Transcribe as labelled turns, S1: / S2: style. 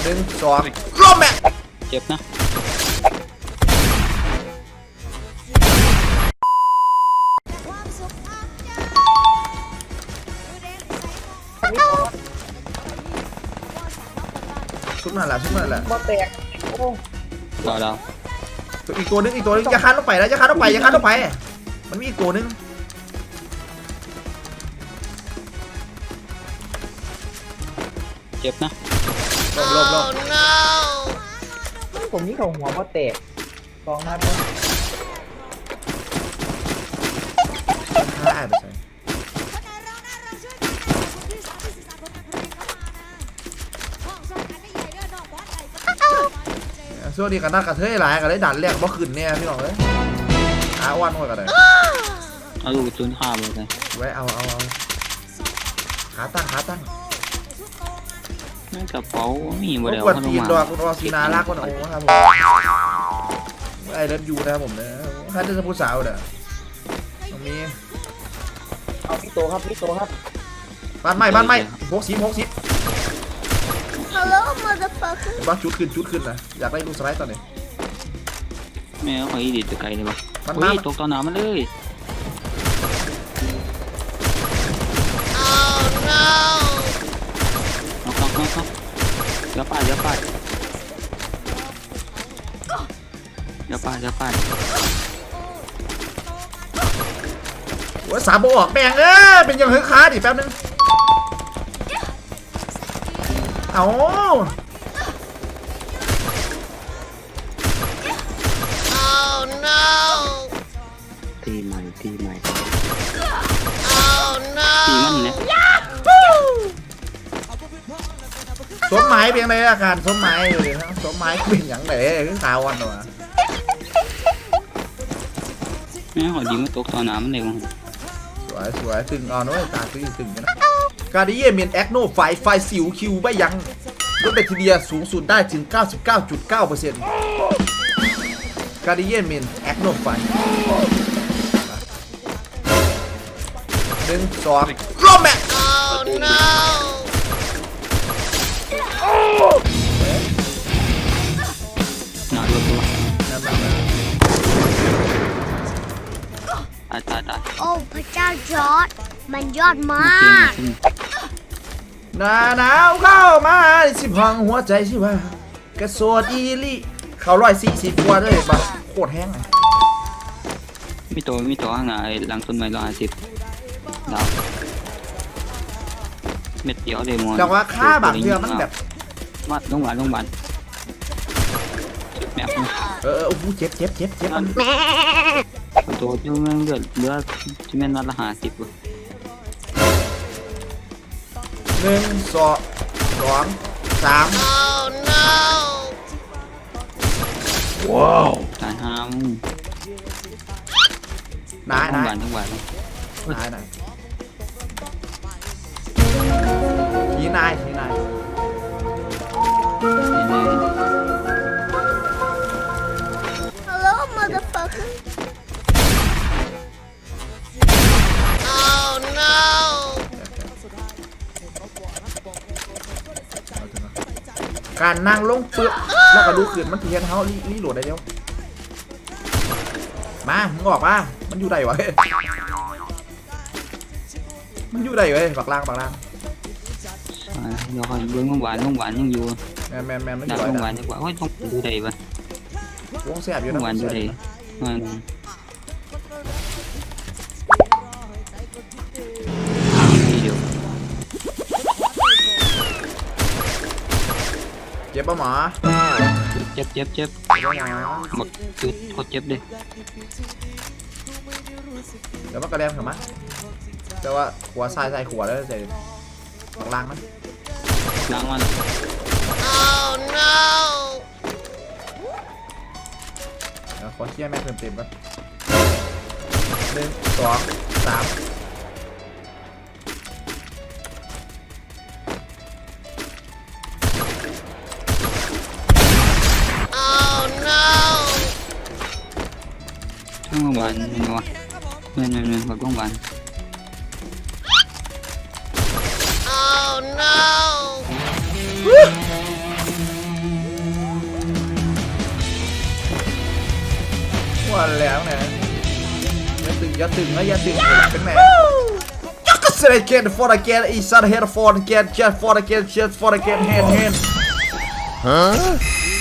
S1: 1 2ร่มแม่
S2: เจ็บนะ
S1: ชุบนั่นแหละ
S3: บ่แตกโอ้
S2: เรา
S1: อีกตัวนึงอย่าคันลงไปนะอย่าคันลงไปมันมีอีกตัวนึง
S2: เจ็บนะ
S1: ลบ
S3: ผมนี่ของหัวบ่แตก2 นัดเลย
S1: ฆ่าไปใส่ช่วงนี้กันน่ากระเทยหลายกันได้ดันแรกบ่ขึ้นเนี่ยพี่น้องเลยอาวันหมดกันเลย
S2: เอาลูกจุนข้ามเลย
S1: ไว้เอาขาตั้ง
S2: นั่นกระเป๋ามีบ่ได้
S1: กดตีนดอกคุณออซีนารักคนโอ้ครับผมไอเลิฟยูนะครับผมนะถ้าจะพูดสาวเด้อตรงนี้
S3: เอาพี่โตครับ
S1: บ้านใหม่60
S4: ฮัลโหลมาเดอะฟัคเกอร์
S1: ว่าชุดขึ้นนะอยากได้ลูกสไลด์ตอนนี้
S2: แม่เขาอีดิจะไกลเลยปะตกตอนหนามันเลยอย่าไป
S1: ว่าสามโบออกแบงเป็นยังเฮ้ยค้าดิแป๊บนึงเอา
S2: ตีใหม่ตีมันเนี่ย
S1: สมหมายเพียงใดอาการสมหมายเลยนะสมหมายเป็นอย่างไรคือข่าววันตัว
S2: แม่หอยิงมันตกตอนหนามันเลย
S1: สวยตึงเอาหน่อยตาตึงนะการดิเยเมียนแอคโนไฟสิวคิวไม่ยั้งลดแบคทีเรียสูงสุดได้ถึง 99.9% การดิเยเมียนแอคโนไฟ1 2ร่มแม่
S2: หนาตัวตาย
S4: โอ้พระเจ้าจอร์ดมันยอดมาก
S1: หนาวเข้ามาสิพังหัวใจสิว่ากระโสดอีลี่เขา140กว่าเลยปะโคตรแห้งเลย
S2: มีตัวข้างหน้าหลังต้นไม้150ดาวเม็ดเดียวเลยมอน
S1: แต่ว่าค่าบางเรื่องมันแบบ
S2: วัดโรงพยาบาลแมป
S1: โอ้โหเจ็บมัน
S2: ตัวที่มันเลือดที่มันนัดละ50
S1: 1 2 3ว้าว
S2: ตายห้าม
S1: นาย
S2: ทั้งวัน
S1: ทีนาย
S4: ฮัลโหลมาเดอะฟัคเกอร์
S1: การนั่งลงเปลือกแล้วก็ดูขืนมันเทียนเขารีโหลดได้เดียวมามึงออกมามันอยู่ไหนวะบักล่าง
S2: เดี๋ยวคอยเบิ้งโรงพยาบาลยังอยู่
S1: แมน
S2: ไม่อยู่โรงพยาบาลดีกว่าต้องดูได้ปะ
S1: วงแสบอยู่
S2: นะโรงพยาบาลดูได้
S1: เจ็บป่ะหมอ
S2: เจ็บหมดจุดโคตรเจ็บเลย
S1: เดี๋ยวมันกระเด็นถึงมั้ยแต่ว่าหัวทรายขวดแล้วใส่ล้างมันขอเชี่ยแม่เต็มก่อน1 2 3
S2: โรงพยาบาลเนาะเงินแบบโรงพยาบาล
S1: ว่าแล้วนะอย่าตึงนะอย่าตึงเป็นแม่ยักษ์เสด็จเกต for again อีสัตว์ head for again jet for again jet for again hand ฮะ